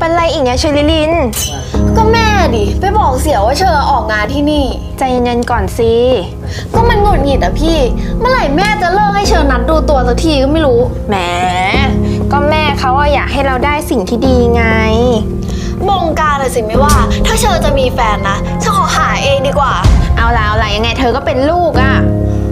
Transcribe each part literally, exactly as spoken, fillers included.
เป็นไรอีกเนี่ยเชอริลินก็แม่ดิไปบอกเสี่ยวว่าเชอออกงานที่นี่ใจเย็นๆก่อนสิก็มันหงุดหงิดอะพี่เมื่อไหร่แม่จะเลิกให้เชอนัดดูตัวสักทีก็ไม่รู้แหมก็แม่เขาอยากให้เราได้สิ่งที่ดีไงบงการเลยสิไม่ว่าถ้าเชอจะมีแฟนนะเชอขอหาเองดีกว่าเอาละเอาละยังไงเธอก็เป็นลูกอะ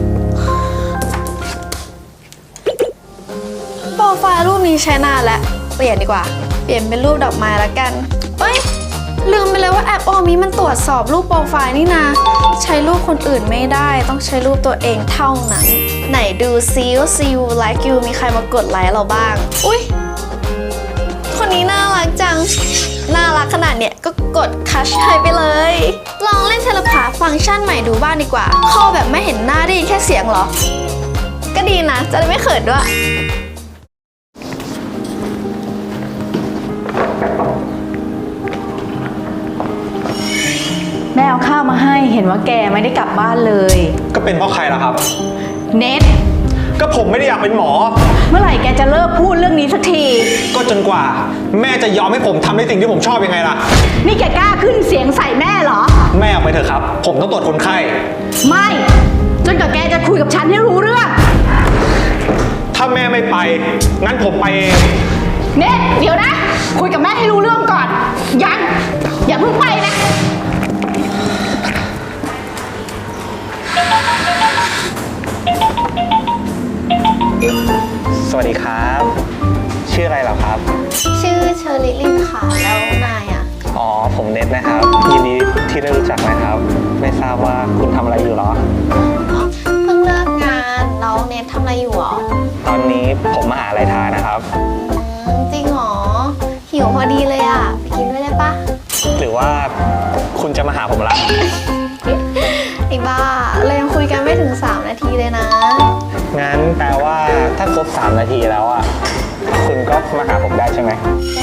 โปรไฟล์รูปนี้ใช้นานแล้วเปลี่ยนดีกว่าเปลี่ยนเป็นรูปดอกไม้ละกันเอ้ยลืมไปเลยว่าแอปออมีมันตรวจสอบรูปโปรไฟล์นี่นะใช้รูปคนอื่นไม่ได้ต้องใช้รูปตัวเองเท่านั้นไหนดูซิวซิวไลค์ยูมีใครมากดไลค์เราบ้างอุ๊ยคนนี้น่ารักจังน่ารักขนาดเนี้ยก็กดคัชให้ไปเลยลองเล่นเทเลพาร์ตฟังก์ชันใหม่ดูบ้างดีกว่าคอแบบไม่เห็นหน้าได้ยินแค่เสียงเหรอก็ดีนะจะได้ไม่เขินด้วยแม่เอาข้าวมาให้เห็นว่าแกไม่ได้กลับบ้านเลยก็เป็นเพราะใครล่ะครับเน็ตก็ผมไม่ได้อยากเป็นหมอเมื่อไหร่แกจะเลิกพูดเรื่องนี้สักทีก็จนกว่าแม่จะยอมให้ผมทำในสิ่งที่ผมชอบยังไงล่ะนี่แกกล้าขึ้นเสียงใส่แม่เหรอแม่ออกไปเถอะครับผมต้องตรวจคนไข้ไม่จนกว่าแกจะคุยกับฉันให้รู้เรื่องถ้าแม่ไม่ไปงั้นผมไปเองเน็ตเดี๋ยวนะคุยกับแม่ให้รู้เรื่องก่อนยังอย่าเพิ่งไปนะสวัสดีครับชื่ออะไรเหรอครับชื่อเชอริลินค่ะแล้วนายอ่ะอ๋อผมเน็ตนะครับยินดีที่ได้รู้จักนะครับไม่ทราบว่าคุณทำอะไรอยู่หรอเพิ่งเลิกงานแล้วเน็ตทำอะไรอยู่หรอตอนนี้ผมมาหาอะไรทานนะครับจริงหรอหิวพอดีเลยอ่ะไปกินด้วยได้ปะหรือว่าคุณจะมาหาผมละไอ้บ้าเรายังคุยกันไม่ถึงสามนาทีเลยนะงั้นแปลว่าถ้าครบสามนาทีแล้วอ่ะคุณก็มาหาผมได้ใช่ไหม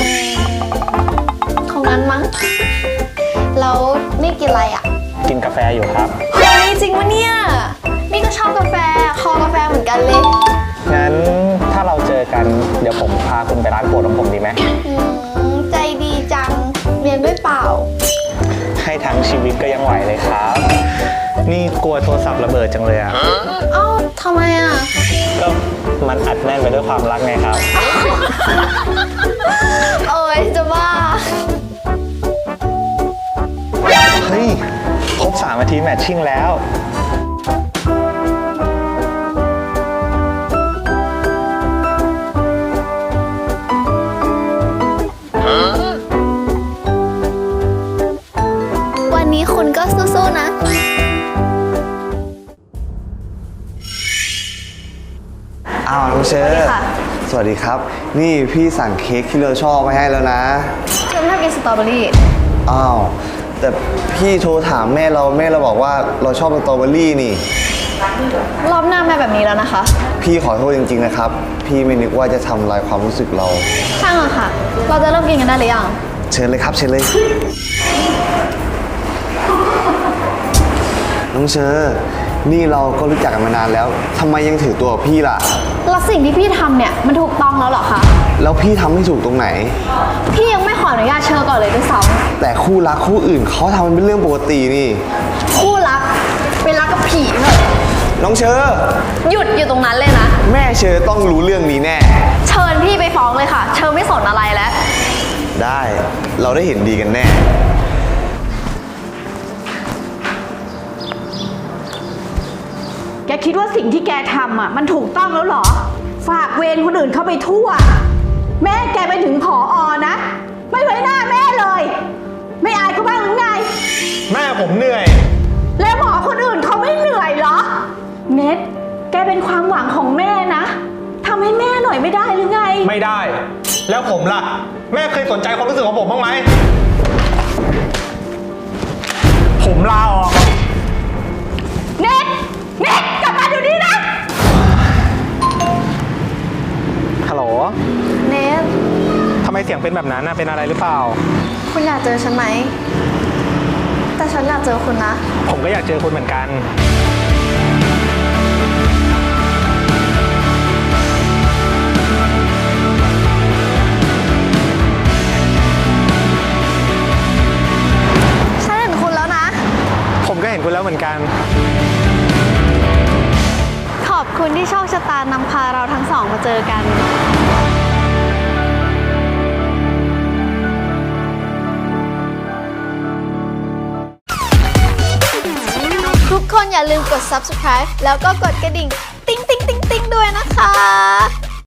คงนั้นมั้งแล้วนี่กินอะไรอ่ะกินกาแฟอยู่ครับเฮ้ยจริงวะเนี่ยนี่ก็ชอบกาแฟคอกาแฟเหมือนกันเลยงั้นถ้าเราเจอกันเดี๋ยวผมพาคุณไปร้านโปรดของผมดีไหมใจดีจังเรียนด้วยเปล่าให้ทั้งชีวิตก็ยังไหวเลยครับนี่กลัวโทรศัพท์ระเบิดจังเลยอ่ะเอ้าทำไมอ่ะก็มันอัดแน่นไปด้วยความรักไงครับโอ้ยจะบ้าเฮ้ยครบสามนาทีแมทชิ่งแล้ววันนี้คุณก็สู้ๆนะอ้าวน้องเชอร์สวัสดีครับนี่พี่สั่งเค้กที่เราชอบมาให้แล้วนะเชอร์ไม่ชอบกินสตรอเบอรี่อ้าวแต่พี่โทรถามแม่เราแม่เราบอกว่าเราชอบสตรอเบอรี่นี่รอบหน้าแม่แบบนี้แล้วนะคะพี่ขอโทษจริงๆนะครับพี่ไม่นึกว่าจะทำลายความรู้สึกเราช่างอะค่ะเราจะเริ่มกินกันได้หรือยังเชิญเลยครับเชิญเลยน้องเชอร์นี่เราก็รู้จักกันมานานแล้วทำไมยังถือตัวพี่ล่ะแล้วสิ่งที่พี่ทำเนี่ยมันถูกต้องแล้วเหรอคะแล้วพี่ทำไม่ถูกตรงไหนพี่ยังไม่ขออนุญาตเชอร์ก่อนเลยด้วยซ้ำแต่คู่รักคู่อื่นเขาทำมันเป็นเรื่องปกตินี่คู่รักเป็นรักกับผีเถอะน้องเชอร์หยุดอยู่ตรงนั้นเลยนะแม่เชอร์ต้องรู้เรื่องนี้แน่เชิญพี่ไปฟ้องเลยค่ะเชอร์ไม่สนอะไรแล้วได้เราได้เห็นดีกันแน่แกคิดว่าสิ่งที่แกทำอ่ะมันถูกต้องแล้วเหรอฝากเวรคนอื่นเข้าไปทั่วแม่แกไปถึงผอ.นะไม่ไว้หน้าแม่เลยไม่อายเขาบ้างหรือไงแม่ผมเหนื่อยแล้วหมอคนอื่นเขาไม่เหนื่อยเหรอเน็ตแกเป็นความหวังของแม่นะทำให้แม่หน่อยไม่ได้หรือไงไม่ได้แล้วผมล่ะแม่เคยสนใจความรู้สึกของผมบ้างไหมผมลาออกเน็ตเน็ตกลับมาเดี๋ยวนี้นะฮัลโหลเน็ตทำไมเสียงเป็นแบบนั้นนะเป็นอะไรหรือเปล่าคุณอยากเจอฉันไหมแต่ฉันอยากเจอคุณนะผมก็อยากเจอคุณเหมือนกันคุณแล้วเหมือนกันขอบคุณที่โชคชะตานำพาเราทั้งสองมาเจอกัน ทุกคนอย่าลืมกด ซับสไครบ์ แล้วก็กดกระดิ่ง ติ๊งติ๊งติ๊งติ๊งด้วยนะคะ